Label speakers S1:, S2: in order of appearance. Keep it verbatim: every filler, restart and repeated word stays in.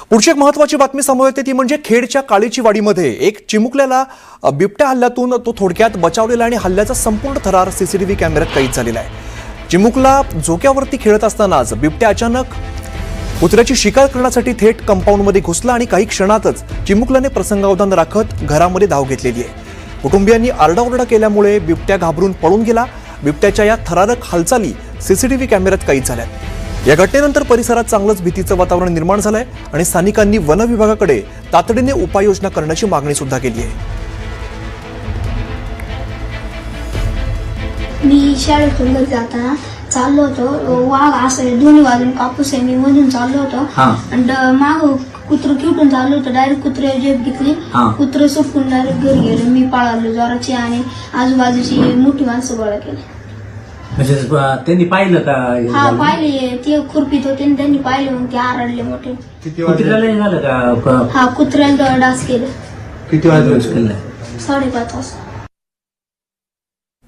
S1: पुढची एक महत्त्वाची बातमी समोर येते ती म्हणजे खेडच्या काळीची वाडीमध्ये एक चिमुकल्याला बिबट्या हल्ल्यातून तो थोडक्यात बचावलेला आणि हल्ल्याचा संपूर्ण थरार सीसीटीव्ही कॅमेऱ्यात कैद झालेला आहे। चिमुकला झोक्यावरती खेळत असतानाच बिबट्या अचानक कुत्र्याची शिकार करण्यासाठी थेट कंपाऊंडमध्ये घुसला आणि काही क्षणातच चिमुकल्याने प्रसंगावधान राखत घरामध्ये धाव घेतलेली आहे। कुटुंबियांनी आरडाओरडा केल्यामुळे बिबट्या घाबरून पळून गेला। बिबट्याच्या या थरारक हालचाली सीसीटीव्ही कॅमेऱ्यात कैद झाल्यात। या घटनेनंतर परिसरात चांगलंच भीतीचं वातावरण निर्माण झालंय आणि स्थानिकांनी वन विभागाकडे तातडीने उपाययोजना करण्याची मागणी सुद्धा केली आहे।
S2: मी शाळेतून घरी जाताना चाललो होतो, वाघ असं दोन्ही बाजून कापूस आहे, मी मधून चाललो होतो आणि माग कुत्र किटून चाललो होतं। डायरेक्ट कुत्रे जेब घेतली, कुत्रे सुटून डायरेक्ट घरी गेलो। मी पळालो जोराची आणि आजूबाजूची मोठी माणसं गोळा केली।
S3: म्हणजे त्यांनी पाहिलं का?
S2: हा पाहिले, ते खुरपीत होते आणि त्यांनी पाहिले, मग ते आरडले मोठे।
S3: कुत्र्याला झालं का?
S2: हा कुत्र्याला डास केलं।
S3: किती वाजता केलं?
S2: साडेपाच वाजता।